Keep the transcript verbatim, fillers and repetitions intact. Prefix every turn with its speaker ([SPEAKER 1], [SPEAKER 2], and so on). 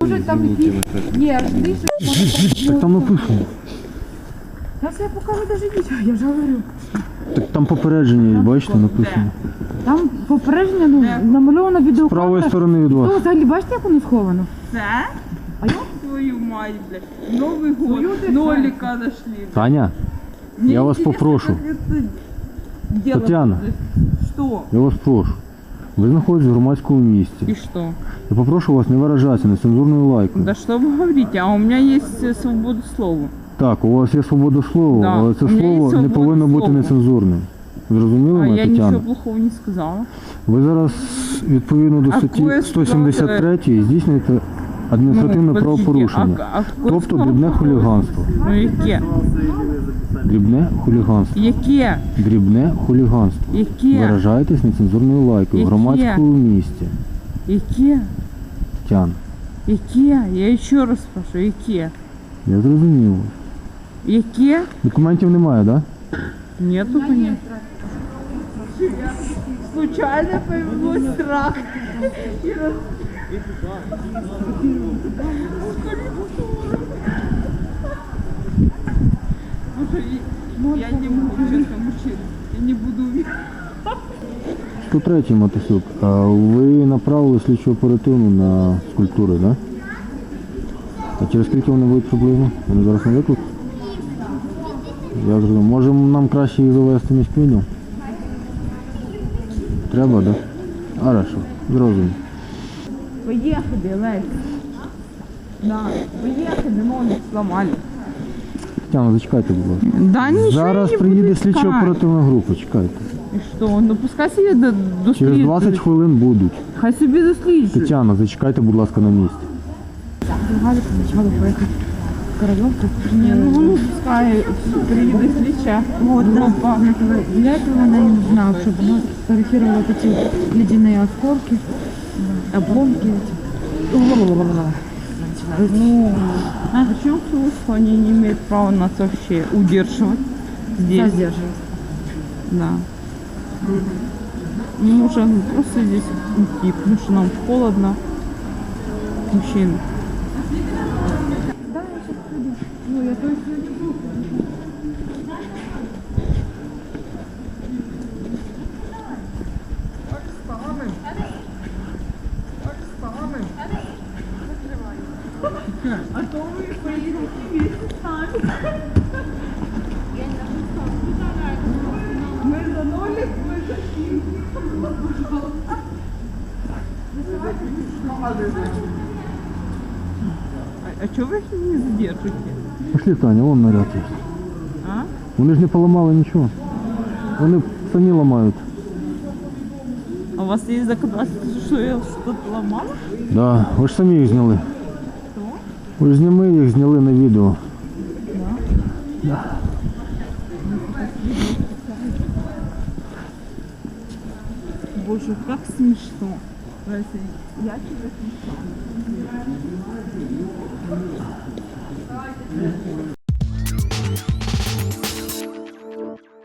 [SPEAKER 1] Може там якісь... Ні, більше...
[SPEAKER 2] Так там написано.
[SPEAKER 1] Зараз я покажу навіть відео, я ж говорю.
[SPEAKER 2] Так там попередження, є, бачите, написано.
[SPEAKER 1] Там попередження, ну, намальовано відео.
[SPEAKER 2] З правої сторони від вас.
[SPEAKER 1] Ну, взагалі, бачите, як воно сховано?
[SPEAKER 3] Це?
[SPEAKER 1] А я?
[SPEAKER 3] Твою мать, блядь. Новый год. Нолика нашли.
[SPEAKER 2] Таня,
[SPEAKER 3] Мне
[SPEAKER 2] я вас
[SPEAKER 3] интересно,
[SPEAKER 2] попрошу.
[SPEAKER 3] как это делать.
[SPEAKER 2] Тетяна.
[SPEAKER 3] Что?
[SPEAKER 2] Я вас прошу. Ви знаходитесь в громадському місці.
[SPEAKER 3] И что?
[SPEAKER 2] Я попрошу вас не виражатися нецензурною лайкою.
[SPEAKER 3] Да что вы говорите? А у меня есть э, свобода слова.
[SPEAKER 2] Так, у вас є свобода слова,
[SPEAKER 3] Да,
[SPEAKER 2] але це
[SPEAKER 3] у мене є
[SPEAKER 2] слово не
[SPEAKER 3] свобода
[SPEAKER 2] повинно бути
[SPEAKER 3] слова.
[SPEAKER 2] нецензурним. Зрозуміли
[SPEAKER 3] А
[SPEAKER 2] мене,
[SPEAKER 3] я
[SPEAKER 2] Тетяна?
[SPEAKER 3] ничего плохого не сказала.
[SPEAKER 2] Ви зараз відповідно до
[SPEAKER 3] А
[SPEAKER 2] статті
[SPEAKER 3] кое
[SPEAKER 2] сто сімдесят три здійснюєте адміністративне
[SPEAKER 3] Ну, подождите,
[SPEAKER 2] правопорушення.
[SPEAKER 3] а- а кое
[SPEAKER 2] Тобто
[SPEAKER 3] слово
[SPEAKER 2] дрібне
[SPEAKER 3] плохое?
[SPEAKER 2] хуліганство.
[SPEAKER 3] Ну яке?
[SPEAKER 2] Дрібне хуліганство.
[SPEAKER 3] Яке?
[SPEAKER 2] Дрібне хуліганство.
[SPEAKER 3] Яке?
[SPEAKER 2] Виражаєтесь нецензурною лайкою в
[SPEAKER 3] Яке?
[SPEAKER 2] громадському місці.
[SPEAKER 3] Яке?
[SPEAKER 2] Тетяна,
[SPEAKER 3] Яке? Я ще раз спрашиваю, яке?
[SPEAKER 2] я зрозумів.
[SPEAKER 3] Яке?
[SPEAKER 2] Документів немає, так? Да?
[SPEAKER 3] Нету понятия. Случайно появилось страх. Слушай, я не могу, честно, мужчина. Я не буду уверена.
[SPEAKER 2] сто третій Матусюк, а ви направили слідчу оперативну на скульптури, так? Да? А через скільки вони будуть приблизно? Вони зараз не виклик? Я зрозумів. Може нам краще їх завести між піню? Треба, так? Да? Хорошо, зрозумів.
[SPEAKER 3] Поехали, Лесь. Да, поехали, ноги сломали.
[SPEAKER 2] Тетяна, зачекайте, будь ласка.
[SPEAKER 3] Да ничего
[SPEAKER 2] Зараз
[SPEAKER 3] не
[SPEAKER 2] приїде
[SPEAKER 3] будет
[SPEAKER 2] слідча
[SPEAKER 3] искать.
[SPEAKER 2] оперативна група, чекайте.
[SPEAKER 3] И что? Ну пускай себе до, досліджують.
[SPEAKER 2] Через двадцять хвилин будуть.
[SPEAKER 3] Хай собі досліджують.
[SPEAKER 2] Тетяна, зачекайте, будь ласка, на місці.
[SPEAKER 1] Галя почала поїхати в Корольовку.
[SPEAKER 3] Не, ну ну пускай приїде слідча.
[SPEAKER 1] Вот, да.
[SPEAKER 3] Група.
[SPEAKER 1] Для этого она не нужна, чтобы она сфотографировала вот эти ледяные осколки, обломки эти.
[SPEAKER 3] Ну, а почему они не имеют права нас вообще удерживать здесь?
[SPEAKER 1] Задерживать.
[SPEAKER 3] Да. Мы можем просто здесь уйти, потому что нам холодно. Мужчины.
[SPEAKER 1] Да, я сейчас приду. Ну, я то есть я не буду.
[SPEAKER 3] А то вы поедете вместе с нами. Мы за нолик, мы за фильм. А, а чего вы их не задержите?
[SPEAKER 2] Пошли, Таня, вон наряд є.
[SPEAKER 3] А?
[SPEAKER 2] Вони ж не поламали нічого. Вони самі ламають.
[SPEAKER 3] А у вас есть доказательства, что я что-то ломала?
[SPEAKER 2] Да, ви ж самі їх зняли.
[SPEAKER 3] Что?
[SPEAKER 2] Ви ж зняли їх, зняли на відео.
[SPEAKER 3] Боже, как смешно. Разве я тебя смешно?